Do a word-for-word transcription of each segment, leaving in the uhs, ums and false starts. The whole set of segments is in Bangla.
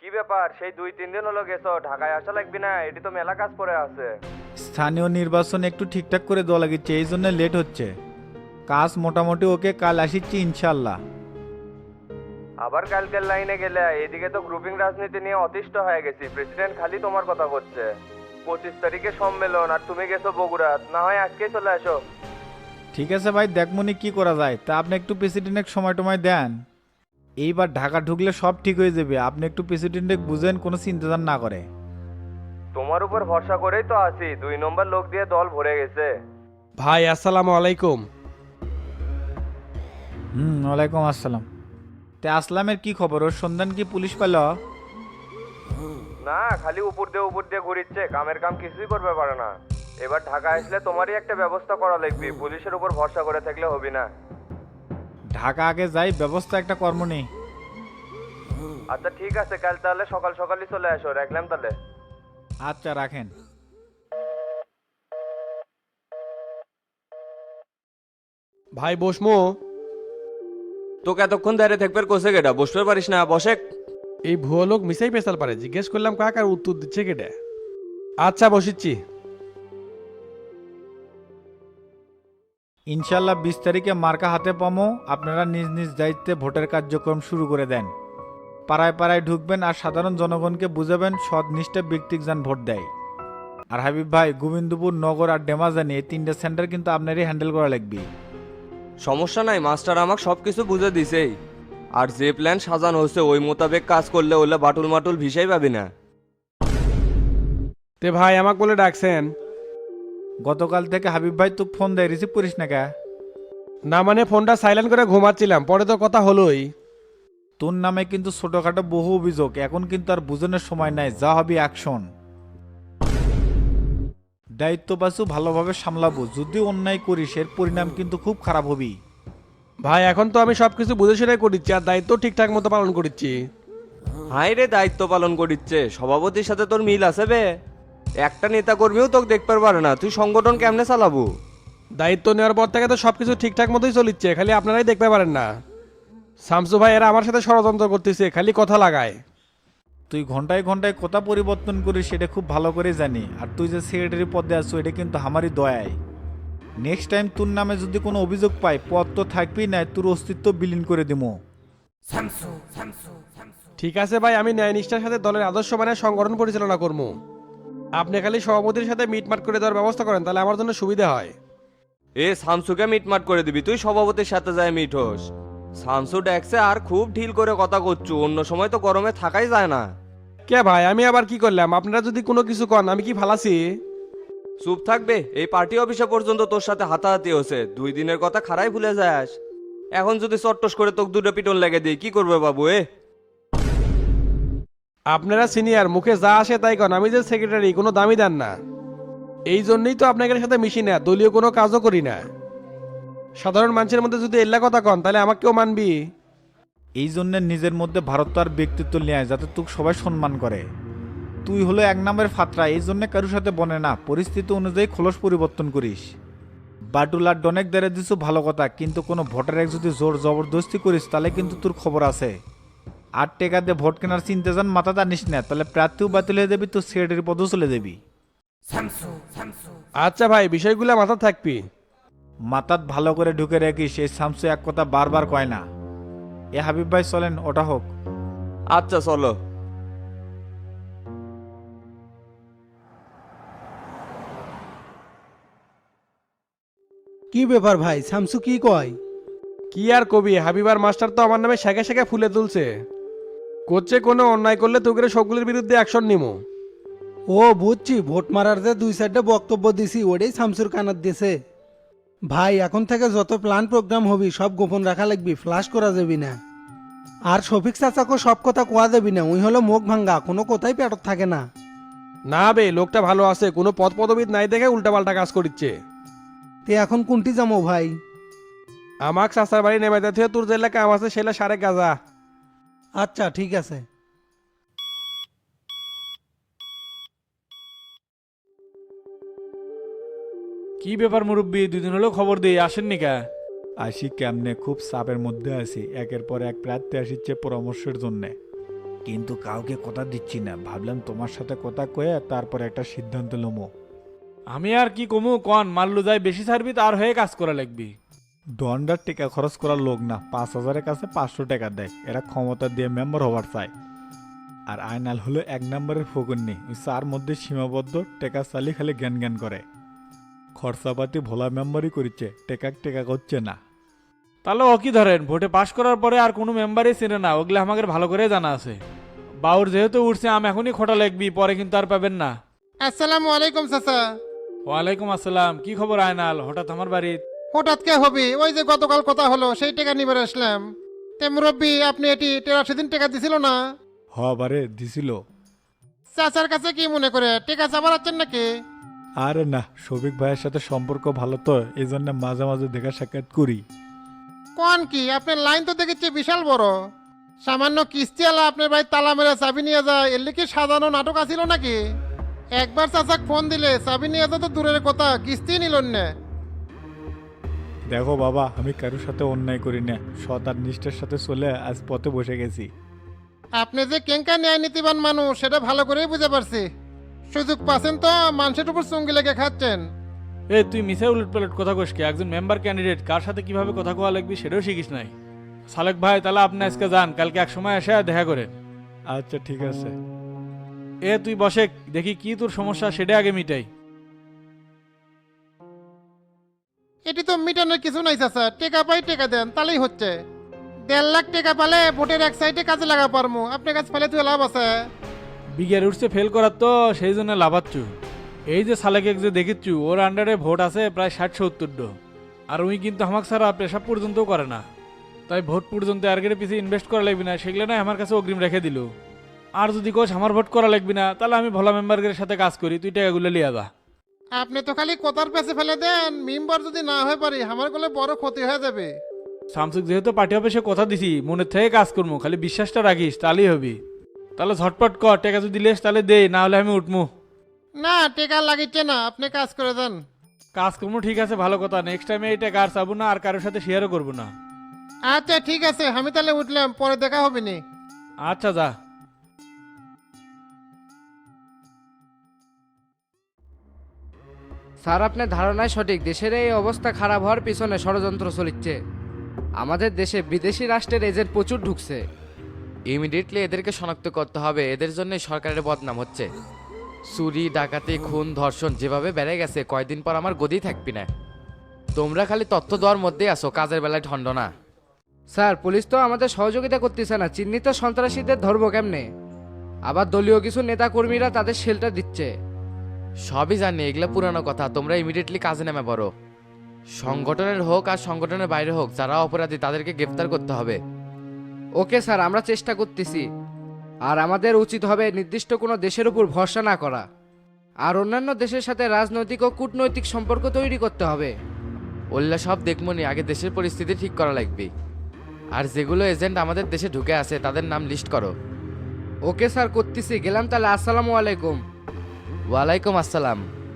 ব্যাপার, সেই দুই তিন দিন হলো গেছো, ঢাকায় আসা লাগবে না? এটি তো মেলা কাজ পড়ে আছে। স্থানীয় নির্বাচন একটু ঠিকঠাক করে দেওয়া লাগিচ্ছে, এই জন্য লেট হচ্ছে। কাজ মোটামুটি ওকে, কাল আসিচ্ছি ইনশাল্লাহ। আবার কালকের লাইনে গেলে, এদিকে তো গ্রুপিং রাজনীতি নিয়ে অতিষ্ঠ হয়ে গেছি। প্রেসিডেন্ট খালি তোমার কথা করছে। পঁচিশ তারিখে সম্মেলন, আর তুমি গেছো বগুড়া। না হয় আজকেই চলে আসো। ঠিক আছে ভাই, দেখমনি কি করা যায়। তা আপনি একটু প্রেসিডেন্টের সময় টময় দেন। এইবার ঢাকা ঢুকলে সব ঠিক হয়ে যাবে, আপনি একটু প্রেসিডেন্টে বুঝেন, কোনো চিন্তা না করে। তোমার উপর ভরসা করেই তো আছি, দুই নম্বর লোক দিয়ে দল ভরে গেছে। ভাই আসসালামু আলাইকুম। হুম, ওয়ালাইকুম আসসালাম। তে আসলামের কি খবর? ওর সন্ধান কি পুলিশ পেল? না, খালি উপর দিয়ে উপর দিয়ে ঘুরিচ্ছে, কামের কাম কিছুই করবে পারে না। এবার ঢাকা আসলে তোমারই একটা ব্যবস্থা করা লাগবে, পুলিশের উপর ভরসা করে থাকলে হবে না। ঢাকা আগে যাই, ব্যবস্থা একটা কর্ম নেই। আচ্ছা ঠিক আছে, কাল তাহলে সকাল সকালই চলে আসো, রাখলাম তাহলে। আচ্ছা, রাখেন। ভাই বসমু। তোকে এতক্ষণ দাঁড়িয়ে থাকবে কোসে গেটা, বসতে পারিস না? বসে। এই ভুয়ো লোক মিসাই পেশাল পারে, জিজ্ঞেস করলাম কাকার উত্তর দিচ্ছে কেটে। আচ্ছা বসিচ্ছি। ইনশাল্লাহ বিশ তারিখে মার্কা হাতে পামো। আপনারা নিজ নিজ দায়িত্বে ভোটের কার্যক্রম শুরু করে দেন। পাড়ায় পাড়ায় ঢুকবেন আর সাধারণ জনগণকে বুঝাবেন সৎ নিষ্ঠা ব্যক্তিক যান ভোট দেয়। আর হাবিব ভাই, গোবিন্দপুর নগর আর ডেমাজানি এই তিনটা সেন্টার কিন্তু আপনারই হ্যান্ডেল করা লাগবে। সমস্যা নাই, মাস্টার আমাকে সব কিছু বুঝে দিছেই। আর যে প্ল্যান সাজানো হচ্ছে ওই মোতাবেক কাজ করলে ওলে বাটুল মাটুল ভিসাই পাবি না। তে ভাই আমাকে বলে ডাকছেন? গতকাল থেকে হাবিব ভাই তোকে ফোন দেয়, রিসিভ করিস না কে? না মানে ফোনটা সাইলেন্ট করে ঘুমাচ্ছিলাম, পরে তো কথা হলোই। তোর নামে কিন্তু ছোটখাটো বহু অভিযোগ, এখন কিন্তু আর বুঝনের সময় নাই, যা হবে অ্যাকশন। দায়িত্ব পাশু ভালোভাবে সামলাবো, যদি অন্যায় করিস এর পরিণাম কিন্তু খুব খারাপ হবি। ভাই এখন তো আমি সবকিছু বুঝে শুনে করিচ্ছি, আর দায়িত্ব ঠিকঠাক মতো পালন করিচ্ছি। হাই রে, দায়িত্ব পালন করিচ্ছে, সভাপতির সাথে তোর মিল আছে বে? একটা নেতা কর্মীও তোকে দেখতে পারে না, তুই সংগঠন কেমনে চালাবো? দায়িত্ব নেওয়ার পর থেকে তো সবকিছু ঠিকঠাক মতোই চলিচ্ছে, খালি আপনারাই দেখতে পারেন না। শামসু ভাই এরা আমার সাথে ষড়যন্ত্র করতেছে, খালি কথা লাগায়। তুই ঘন্টায় ঘন্টায় কথা পরিবর্তন করিস সেটা খুব ভালো করে জানি, আর তুই যে সেক্রেটারি পদে আছো এটা কিন্তু আমারই দয়ায়। নেক্সট টাইম তোর নামে যদি কোনো অভিযোগ পাই, পদ তো থাকবেই না, তোর অস্তিত্ব বিলীন করে দিমো। ঠিক আছে ভাই, আমি ন্যায় নিষ্ঠার সাথে দলের আদর্শ মানে সংগঠন পরিচালনা করবো। আপনি খালি সভাপতির সাথে মিটমাট করে দেওয়ার ব্যবস্থা করেন, তাহলে আমার জন্য সুবিধা হয়। এ শামসুকে মিটমাট করে দিবি? তুই সভাপতির সাথে যায় মিট হোস। শামসু ডেকছে আর খুব ঢিল করে কথা করছু, অন্য সময় তো গরমে থাকাই যায় না। কে ভাই আমি আবার কি করলাম? আপনারা যদি কোনো কিছু কন আমি কি ফালাসি? চুপ থাকবে, এই পার্টি অফিসে পর্যন্ত তোর সাথে হাতাহাতি হচ্ছে, দুই দিনের কথা খারাই ভুলে যাস। এখন যদি চট্টস করে তোকে দুটো পিটন লেগে দিই কি করবে বাবু? এ আপনারা সিনিয়র, মুখে যা আসে তাই কন, আমি যে সেক্রেটারি কোনো দামি দেন না। এই জন্যই তো আপনাদের সাথে মিশি না, দলীয় কোনো কাজও করি না। সাধারণ মানুষের মধ্যে যদি এল্লা কথা কন তাহলে আমাকে কেউ মানবি? এই জন্য নিজের মধ্যে ভারত আর ব্যক্তিত্ব নিয়ে আয়, যাতে তোকে সবাই সম্মান করে। তুই হলো এক নম্বরের ফাতরা, এই জন্য কারোর সাথে বনে না, পরিস্থিতি অনুযায়ী খোলস পরিবর্তন করিস। বাটুল আর ডনেক দেড়ে দিছু ভালো কথা, কিন্তু কোনো ভোটার এক যদি জোর জবরদস্তি করিস তাহলে কিন্তু তোর খবর আছে। আর টেকা দিয়ে ভোট কেনার চিন্তা যান মাথা টানিস না, তাহলে প্রার্থীও বাতিল হয়ে যাবি, তোর সেক্রেটারি পদও চলে যাবি। আচ্ছা ভাই, বিষয়গুলো মাথা থাকবি। মাথাত ভালো করে ঢুকে রাখিস, এই শামসু এক কথা বারবার কয় না। এ হাবিব ভাই চলেন, ওটা হোক। আচ্ছা চলো। কি ব্যাপার ভাই, শামসু কি কয়? কি আর কবি, হাবিবার মাস্টার তো আমার নামে শেখে শেখে ফুলে তুলছে। করছে কোনো অন্যায় করলে তোকে সবগুলোর বিরুদ্ধে অ্যাকশন নিমো। ও বুঝছি, ভোট মারার যে দুই সাইডে বক্তব্য দিছি ওটাই শামসুর কানাত দিছে। ভাই এখন থেকে যত প্ল্যান প্রোগ্রাম হবি সব গোপন রাখা লাগবি, ফ্লাশ করা যাবি না। আর শফিক চাচাকে সব কথা কোয়া যাবি না, ওই হলো মুখ ভাঙ্গা, কোনো কথাই পেটত থাকে না। না বে, লোকটা ভালো আছে, কোনো পদ পদবিদ নাই দেখে উল্টাপাল্টা কাজ করিচ্ছে। তে এখন কোনটি যাবো ভাই? আমাক চাচার বাড়ি নেমে দিতে তোর যে কাম আছে সেটা সারে গাজা। আচ্ছা ঠিক আছে। কি ব্যাপার মুরব্বী, দুদিন হলো খবর দিয়ে আসেননি কা? আসি কেমনে, খুব চাপের মধ্যে আছি, একের পর এক প্রার্থী আসিচ্ছে পরামর্শের জন্যে। কিন্তু কাউকে কথা দিচ্ছি না, ভাবলাম তোমার সাথে কথা কয়ে তারপর একটা সিদ্ধান্ত লমো। আমি আর কি কমু কন, মাল্লু যাই বেশি ছাড়বি তার হয়ে কাজ করা লাগবি। দন্ডার টিকা খরচ করার লোক না, পাঁচ হাজারের কাছে পাঁচশো টাকা দেয়, এরা ক্ষমতা দিয়ে মেম্বার হবার চায়। আর আয়নাল হলো এক নম্বরের ফকুন্নি, ওই চার মধ্যে সীমাবদ্ধ, টেকা চালি খালি জ্ঞান জ্ঞান করে। খরচাপাতি ভোলা মেম্বারই করিচ্ছে, টেকা টেকা করছে না। তাহলে ও কি ধরেন, ভোটে পাশ করার পরে আর কোনো মেম্বারই চেনে না, ওগুলো আমাদের ভালো করে জানা আছে। বাউর যেহেতু উঠছে আম এখনই খোটা লাগবি, পরে কিন্তু আর পাবেন না। আসসালামু আলাইকুম চাচা। ওয়ালাইকুম আসসালাম, কি খবর আয়নাল, হঠাৎ আমার বাড়িতে? হঠাৎ কে হবে, ওই যে গতকাল কথা হলো সেই টাকা নিবে আসলাম। তে মুরব্বী আপনি এটি তেরাশি দিন টাকা দিছিল না? হবারে দিছিল। চাচার কাছে কি মনে করে টাকা চাবার আছেন নাকি? আরে না, শফিক ভাইয়ের সাথে সম্পর্ক ভালো তো, এই জন্য মাঝে মাঝে দেখা সাক্ষাৎ করি। কোন কি আপনার লাইন তো দেখেছি বিশাল বড়। সামান্য কিস্তি আলা আপনার ভাই তালা মেরে চাবি নিয়ে যায়, এর কি সাজানো নাটক আছিল নাকি? একবার চাচাক ফোন দিলে চাবি নিয়ে যা তো দূরের কথা, কিস্তি নিলেন না। দেখো বাবা, আমি কারোর সাথে অন্যায় করি না, সৎ আর নিষ্ঠার সাথে চলে আজ পথে বসে গেছি। আপনি যে কেঙ্কা ন্যায় নীতিবান মানুষ সেটা ভালো করেই বুঝে পারছি। সুযোগ পাচ্ছেন তো মানুষের উপর চুঙ্গি লেগে খাচ্ছেন। এ তুই মিশে উলট পালট কথা কইসকে, একজন মেম্বার ক্যান্ডিডেট কার সাথে কিভাবে কথা কোয়া লাগবি সেটাও শিখিস নাই। সালেক ভাই তাহলে আপনি আজকে যান, কালকে এক সময় এসে দেখা করেন। আচ্ছা ঠিক আছে। এ তুই বসে, দেখি কি তোর সমস্যা সেটা আগে মিটাই। এটি তো মিটানোর কিছু নাই চাচা, টেকা পাই টেকা দেন তাহলেই হচ্ছে। দেড় লাখ টাকা পালে ভোটের এক সাইডে কাজে লাগা পারমু, আপনার কাছে পালে তুই লাভ আছে। বিঘের উঠছে ফেল করার তো সেই জন্য লাভাচ্ছু। এই যে সালেকে যে দেখিচ্ছু, ওর আন্ডারে ভোট আছে প্রায় ষাট সত্তর ডো, আর উই কিন্তু আমাকে ছাড়া পেশাব পর্যন্তও করে না। তাই ভোট পর্যন্ত আর্গের পিছিয়ে ইনভেস্ট করা লাগবে না, সেগুলো না আমার কাছে অগ্রিম রেখে দিল। আর যদি কোচ আমার ভোট করা লাগবে না, তাহলে আমি ভোলা মেম্বারদের সাথে কাজ করি, তুই টাকাগুলো লিয়া যা। আপনি তো খালি কথার পেছে ফেলে দেন, মেম্বার যদি না হয়ে পারি আমার গলে বড় ক্ষতি হয়ে যাবে। শামসুক যেহেতু পার্টি অফিসে কথা দিছি, মনের থেকে কাজ করবো, খালি বিশ্বাসটা রাখিস তাহলেই হবি। তাহলে ঝটপট কর, টাকা যদি লেস তাহলে দে, না হলে আমি উঠমু। না টেকা লাগিচ্ছে না, আপনি কাজ করে দেন। কাজ করবো ঠিক আছে, ভালো কথা, নেক্সট টাইমে এই টাকা আর চাবো না, আর কারোর সাথে শেয়ারও করবো না। আচ্ছা ঠিক আছে, আমি তাহলে উঠলাম, পরে দেখা হবে নি। আচ্ছা যা। স্যার আপনার ধারণায় সঠিক, দেশের এই অবস্থা খারাপ হওয়ার পিছনে ষড়যন্ত্র চলিচ্ছে। আমাদের দেশে বিদেশি রাষ্ট্রের এজেন্ট প্রচুর ঢুকছে। ইমিডিয়েটলি এদেরকে শনাক্ত করতে হবে, এদের জন্য সরকারের বদনাম হচ্ছে। চুরি ডাকাতি খুন ধর্ষণ যেভাবে বেড়ে গেছে, কয়দিন পর আমার গদি থাকবি না। তোমরা খালি তথ্য দেওয়ার মধ্যেই আসো, কাজের বেলায় ঠন্ড না। স্যার পুলিশ তো আমাদের সহযোগিতা করতেছে না, চিহ্নিত সন্ত্রাসীদের ধরবো কেমনে? আবার দলীয় কিছু নেতা কর্মীরা তাদের শেল্টার দিচ্ছে। সবই জানি, এগুলো পুরানো কথা, তোমরা ইমিডিয়েটলি কাজে নেমে পড়ো। সংগঠনের হোক আর সংগঠনের বাইরে হোক, যারা অপরাধী তাদেরকে গ্রেফতার করতে হবে। ওকে স্যার, আমরা চেষ্টা করতেছি। আর আমাদের উচিত হবে নির্দিষ্ট কোনো দেশের উপর ভরসা না করা, আর অন্যান্য দেশের সাথে রাজনৈতিক ও কূটনৈতিক সম্পর্ক তৈরি করতে হবে। ওল্লা সব দেখমনি, আগে দেশের পরিস্থিতি ঠিক করা লাগবে। আর যেগুলো এজেন্ট আমাদের দেশে ঢুকে আছে তাদের নাম লিস্ট করো। ওকে স্যার, করতেছি। গেলাম তাহলে, আসসালামু আলাইকুম। ওয়ালাইকুম আসসালাম।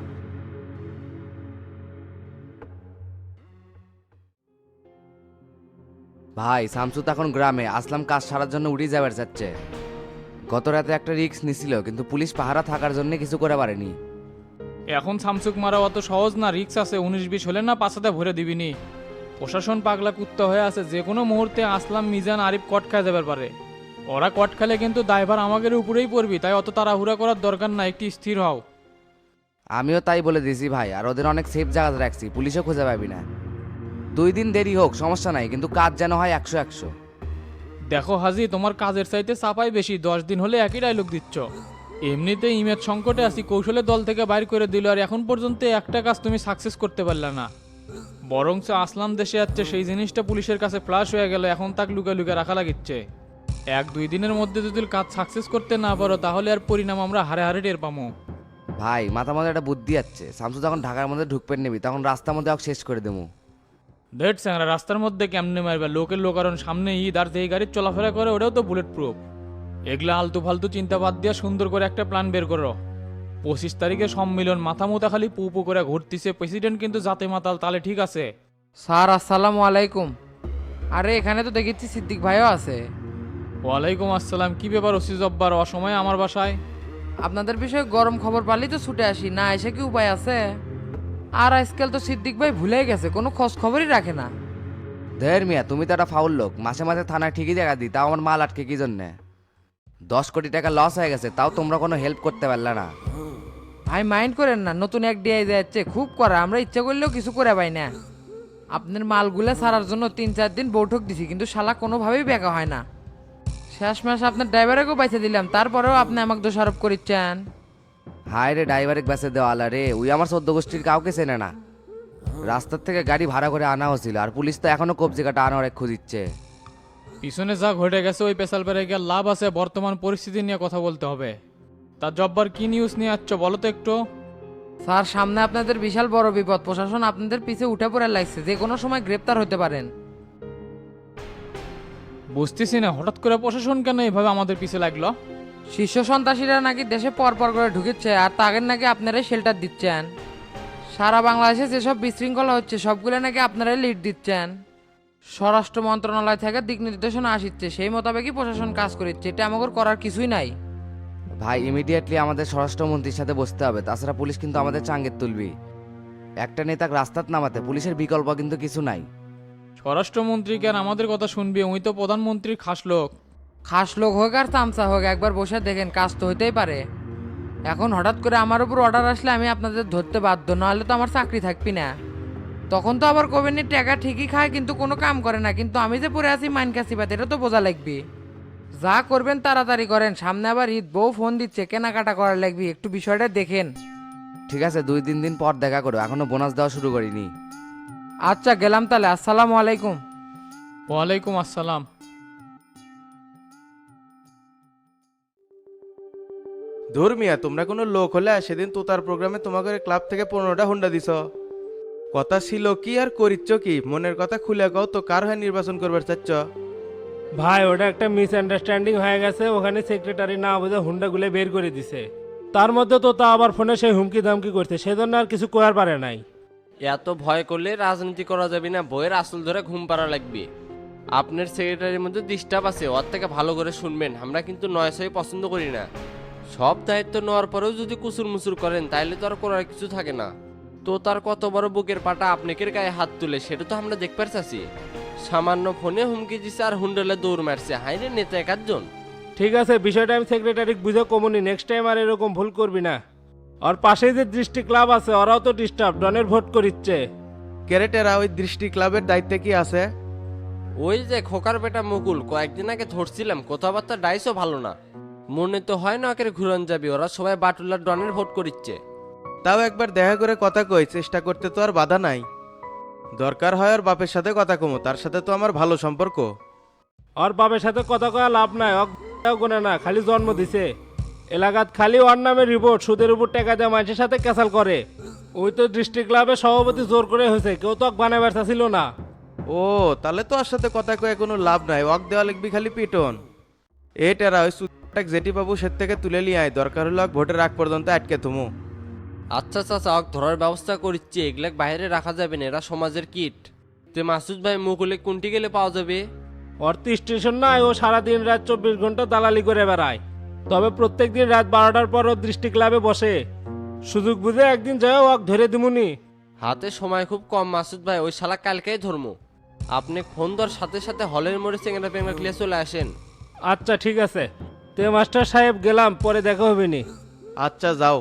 ভাই শামসু তো এখন গ্রামে, আসলাম কাজ সারার জন্য উড়ে যাবার যাচ্ছে। গত রাতে একটা রিস্ক নিছিল, কিন্তু পুলিশ পাহারা থাকার জন্য কিছু করে পারেনি। এখন শামসুক মারা অত সহজ না, রিক্স আছে, উনিশ বিশ হলে না পাশাতে ভরে দিবিনি। প্রশাসন পাগলা কুত্তা হয়ে আছে, যে কোনো মুহূর্তে আসলাম মিজান আরিফ কট খায় যাবার পারে। ওরা কট খেলে কিন্তু দায়ভার আমাদের উপরেই পড়বি, তাই অত তাড়াহুড়া করার দরকার না, একটি স্থির হও। আমিও তাই বলে দিয়েছি ভাই, আর ওদের অনেক সেফ জায়গা রাখছি, পুলিশও খুঁজে পাবি না। দুই দিন দেরি হোক সমস্যা নাই, কিন্তু কাজ যেন হয় একশো একশো। দেখো হাজি, তোমার কাজের চাইতে চাপাই বেশি, দশ দিন হলে একই ডায়লগ দিচ্ছ। এমনিতে ইমেজ সংকটে আছি, কৌশলে দল থেকে বাইর করে দিল, আর এখন পর্যন্ত একটা কাজ তুমি সাকসেস করতে পারলে না। বরঞ্চ আসলাম দেশে যাচ্ছে, সেই জিনিসটা পুলিশের কাছে ফ্লাশ হয়ে গেল, এখন তাক লুকা লুকা রাখা লাগিচ্ছে। এক দুই দিনের মধ্যে যদি কাজ সাকসেস করতে না পারো, তাহলে আর পরিণাম আমরা হারে হারে টের পাবো। ভাই মাথার মধ্যে একটা বুদ্ধি আছে, শামসু যখন ঢাকার মধ্যে ঢুকপেন নিবি, তখন রাস্তার মধ্যে ওকে শেষ করে দেবো। দেখ স্যাংরা, রাস্তার মধ্যে কেমনে মারবে, লোকের লোকারণ সামনে ঈদ, আর যেই গাড়ির চলাফেরা করে ওটাও তো বুলেট প্রুফ। এগুলা আলতু ফালতু চিন্তা বাদ দিয়ে সুন্দর করে একটা প্ল্যান বের করো। পঁচিশ তারিখে সম্মিলন, মাথা মোতা খালি পু পু করে ঘুরতিছে, প্রেসিডেন্ট কিন্তু জাতে মাতাল, তাহলে ঠিক আছে। স্যার আসসালামু আলাইকুম। আরে এখানে তো দেখেছি সিদ্দিক ভাইও আছে। ওয়ালাইকুম আসসালাম, কি ব্যাপার ওসি জব্বার অসময়ে আমার বাসায়? আপনাদের বিষয়ে গরম খবর পালি তো ছুটে আসি, না এসে কি উপায় আছে? আর আজকাল তো সিদ্দিক ভাই ভুলে গেছে, কোনো খোঁজ খবরই রাখে না। ধের মিয়া, তুমি তো একটা ফাউল লোক, মাসে মাসে থানায় ঠিকই দেখা দিই, তাও আমার মাল আটকে কি জন্যে? দশ কোটি টাকা লস হয়ে গেছে, তাও তোমরা কোনো হেল্প করতে পারলে না। ভাই মাইন্ড করেন না, নতুন এক ডিআই যাচ্ছে খুব করা, আমরা ইচ্ছা করলেও কিছু করে পাই না। আপনার মালগুলা ছাড়ার জন্য তিন চার দিন বৈঠক দিছি, কিন্তু শালা কোনোভাবেই বেকা হয় না। শেষ মাস আপনার ড্রাইভারকেও বাইছে দিলাম, তারপরেও আপনি আমাকে দোষারোপ করিচ্ছেন। হায় রে, ড্রাইভারের বেসে দেওয়ালা রে, ওই আমার চোদ্দ গোষ্ঠীর কাউকে চেনে না। রাস্তার থেকে গাড়ি ভাড়া করে আনা হয়েছিল, আর পুলিশ তো এখনো কবজি কাটা আনার এক খুঁজিচ্ছে। পিছনে যা ঘটে গেছে ওই পেশাল পেরে গিয়ে লাভ আছে, বর্তমান পরিস্থিতি নিয়ে কথা বলতে হবে। তা জব্বার কি নিউজ নিয়ে আসছ বলো তো একটু। স্যার সামনে আপনাদের বিশাল বড় বিপদ, প্রশাসন আপনাদের পিছে উঠে পড়ে লাগছে, যে কোনো সময় গ্রেপ্তার হতে পারেন। বুঝতেছি না হঠাৎ করে প্রশাসন কেন এভাবে আমাদের পিছে লাগলো। শীর্ষ সন্ত্রাসীরা নাকি দেশে পর পর করে ঢুকেছে, আর তাদের নাকি আপনারাই শেল্টার দিচ্ছেন। সারা বাংলাদেশে যেসব বিশৃঙ্খলা হচ্ছে সবগুলো নাকি আপনারাই লিড দিচ্ছেন। স্বরাষ্ট্র মন্ত্রণালয় থেকে দিক নির্দেশনা আসছে, সেই মোতাবেকই প্রশাসন কাজ করছে, এটা আমাদের করার কিছুই নাই। ভাই ইমিডিয়েটলি আমাদের স্বরাষ্ট্রমন্ত্রীর সাথে বসতে হবে, তাছাড়া পুলিশ কিন্তু আমাদের চাঙ্গের তুলবি। একটা নেতাকে রাস্তাত নামাতে পুলিশের বিকল্প কিন্তু কিছু নাই। স্বরাষ্ট্রমন্ত্রী কেন আমাদের কথা শুনবি? উনি তো প্রধানমন্ত্রীর খাস লোক। খাস লোক হোক আর তামসা হোক, একবার বসে দেখেন, কাজ তো হইতেই পারে। এখন হঠাৎ করে আমার উপর অর্ডার আসলে আমি আপনাদের ধরতে বাধ্য, নাহলে তো আমার চাকরি থাকবি না। তখন তো আবার কবেনি টাকা ঠিকই খায় কিন্তু কোনো কাম করে না, কিন্তু আমি যে পড়ে আছি মাইন কাছিবাদ, এটা তো বোঝা লাগবে। যা করবেন তাড়াতাড়ি করেন, সামনে আবার ঈদ, বউ ফোন দিচ্ছে, কেনাকাটা করা লাগবে, একটু বিষয়টা দেখেন। ঠিক আছে, দুই তিন দিন পর দেখা করো, এখনো বোনাস দেওয়া শুরু করিনি। আচ্ছা গেলাম তাহলে, আসসালামু আলাইকুম। ওয়ালাইকুম আসসালাম। ধর্মিয়া, তোমরা কোনো লোক হলে সেদিন তোতার প্রোগ্রামে তোমাকে ক্লাব থেকে পনেরোটা হুন্ডা দিছ। কথা ছিল কি আর করিচ্ছ কি? মনের কথা খুলে কও তো, কার হয়ে নির্বাচন করবার চাচ্ছ? ভাই ওটা একটা মিসআন্ডারস্ট্যান্ডিং হয়ে গেছে, ওখানে সেক্রেটারি না বুঝে হুন্ডাগুলো বের করে দিছে। তার মধ্যে তো তা আবার ফোনে সেই হুমকি দামকি করছে, সেজন্য আর কিছু করার পারে নাই। এত ভয় করলে রাজনীতি করা যাবে না, বইয়ের আসল ধরে ঘুম পাড়া লাগবে। আপনার সেক্রেটারির মধ্যে ডিস্টার্ব আছে, ওর থেকে ভালো করে শুনবেন। আমরা কিন্তু নয় ছয় পছন্দ করি না। সব দায়িত্ব নেওয়ার পরেও যদি কুসুর মুসুর করেন তাইলে তো আর করার কিছু থাকে না। তো তার কত বড় বুকের পাটা আপনাকের গায়ে হাত তুলে, সেটা তো আমরা দেখতে পারছি। সামান্য ফোনে হুমকি দিছে আর হুন্ডলে দৌড় মারছে, হাইরে নেতা একাধজন। ঠিক আছে, বিষয়টা আমি সেক্রেটারি বুঝে কমুনি, নেক্সট টাইম আর এরকম ভুল করবি না। আর পাশেই যে দৃষ্টি ক্লাব আছে ওরাও তো ডিস্টার্ব, ডনের ভোট করিচ্ছে। ক্যারেটেরা ওই দৃষ্টি ক্লাবের দায়িত্বে কি আছে? ওই যে খোকার বেটা মুকুল, কয়েকদিন আগে ধরছিলাম, কথাবার্তা ডাইসও ভালো না। মনে তো হয় না ওকে ঘুরন যাবি, ওরা সবাই বাটুলার ডনের ভোট করিচ্ছে। তাও একবার দেখা করে কথা কই, চেষ্টা করতে তো আর বাধা নাই। দরকার হয় ওর বাপের সাথে কথা কমো, তার সাথে তো আমার ভালো সম্পর্ক। আর বাবার সাথে কথা কয়া লাভ নাই, অজ্ঞাও গুনে না, খালি জন্ম দিছে। এলাকাত খালি ওর নামে রিপোর্ট, সুদের উপর টাকা দেওয়া মানুষের সাথে ক্যাসাল করে। ওই তো ডিস্ট্রিক্ট ক্লাবের সভাপতি জোর করে হয়েছে, কেউ তো বানায় ব্যর্থা ছিল না। ও তাহলে তো ওর সাথে কথা কয়ে কোনো লাভ নাই, ওয়াক দেওয়া লিখবি খালি পিটন। এটারা ওই সুটাক জেটি বাবু সে থেকে তুলে নিয়ে আয়, দরকার হলো ভোটের আগ পর্যন্ত আটকে থুমু। আচ্ছা চাচা, অক ধরার ব্যবস্থা করিচ্ছি, এগুলা বাইরে রাখা যাবে না, এরা সমাজের কিট। তে মাসুদ ভাই মুকুলে কোনটি গেলে পাওয়া যাবে? ওর তো স্টেশন নাই, ও সারাদিন রাত চব্বিশ ঘন্টা দালালি করে বেড়ায়। তবে প্রত্যেক দিন রাত বারোটার পর ও দৃষ্টি ক্লাবে বসে, সুযোগ বুঝে একদিন যায় ওয়াক ধরে দিমুনি। হাতে সময় খুব কম মাসুদ ভাই, ওই শালা কালকেই ধর্ম। আপনি ফোন ধর সাথে সাথে হলের মোড়ে চেঙ্গা পেঙ্গা ক্লিয়ে চলে আসেন। আচ্ছা ঠিক আছে, তে মাস্টার সাহেব গেলাম, পরে দেখা হবে নি। আচ্ছা যাও।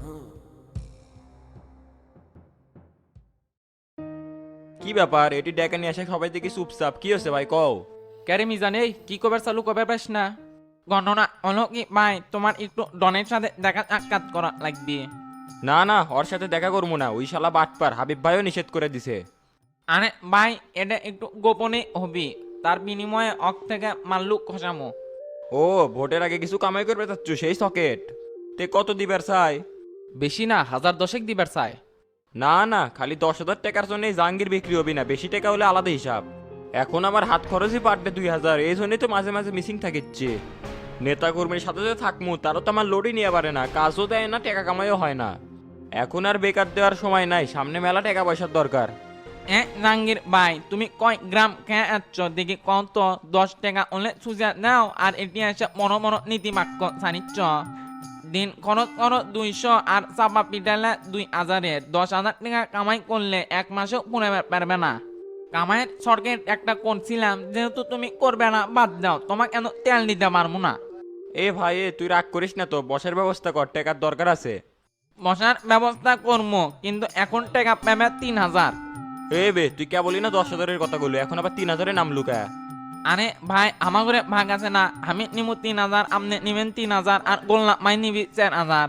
কি ব্যাপার, এটি ডেকে নিয়ে আসে সবাই দেখি চুপচাপ, কি হচ্ছে ভাই কও? ক্যারে মিজান, এই কি কবার চালু কবে পাস না? গণনা হলো কি ভাই, তোমার একটু ডনের সাথে দেখা সাক্ষাৎ করা লাগবে। না না, ওর সাথে দেখা করবো না, ওই শালা বাটপার, হাবিব ভাইও নিষেধ করে দিছে। আরে ভাই, এটা একটু গোপনে হবি, তার বিনিময়ে অক থেকে মাল্লু খসামো। ও ভোটের আগে কিছু কামাই করবে চাচ্ছ, সেই সকেট। তে কত দিবার চাই? বেশি না, হাজার দশেক দিবার চায়। না না, খালি দশ হাজার টাকার জন্য জাহাঙ্গীর বিক্রি হবি না, বেশি টাকা হলে আলাদা হিসাব। এখন আমার হাত খরচই পাঠবে দুই হাজার, এই জন্যই তো মাঝে মাঝে মিসিং থাকিচ্ছে। নেতা কর্মীর সাথে যে থাকমু, তারও তো আমার লোডই নিয়ে পারে না, কাজও দেয় না, টাকা কামাইও হয় না। এখন আর বেকার দেওয়ার সময় নাই, সামনে মেলা টাকা পয়সার দরকার। এ জাহাঙ্গীর ভাই তুমি কয় গ্রাম খেয়ে আসছ দেখি কত দশ টাকা হলে সুজা নাও আর এটি এসে মনো মনো নীতি বাক্য জানিচ্ছ দিন খরচ খরচ দুইশো আর চাপা পিটালে দুই হাজারের দশ হাজার টাকা কামাই করলে এক মাসেও পুনে পারবে না কামাইয়ের সরকার একটা করছিলাম যেহেতু তুমি করবে না বাদ দাও তোমাকে কেন তেল দিতে পারবো না। এ ভাই এ তুই রাগ করিস না তো, বসার ব্যবস্থা কর, টাকার দরকার আছে। বসার ব্যবস্থা করবো কিন্তু এখন টাকা পাবে তিন হাজার। এ বে তুই কে বলি না দশ হাজারের কথা বললো, এখন আবার তিন হাজারের নাম লুকা। আরে ভাই আমার ঘরে ভাগ আছে না, আমি নিব তিন হাজার আপনি নিবেন তিন হাজার আর গোল্লা মাই নিবি চার হাজার।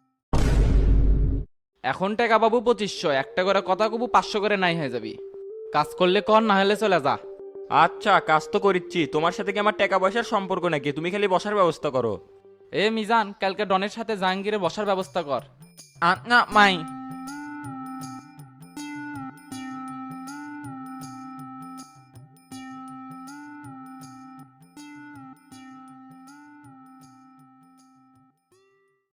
এখন টাকা পাবো পঁচিশশো, একটা করে কথা কবু পাঁচশো করে নাই হয়ে যাবি। কাজ করলে কর, না হলে চলে যা। আচ্ছা কাজ তো করিচ্ছি, তোমার সাথে কি আমার টাকা পয়সার সম্পর্ক নাকি? তুমি খালি বসার ব্যবস্থা করো। এ মিজান, কালকে ডনের সাথে জাহাঙ্গীরে বসার ব্যবস্থা কর। আচ্ছা মাই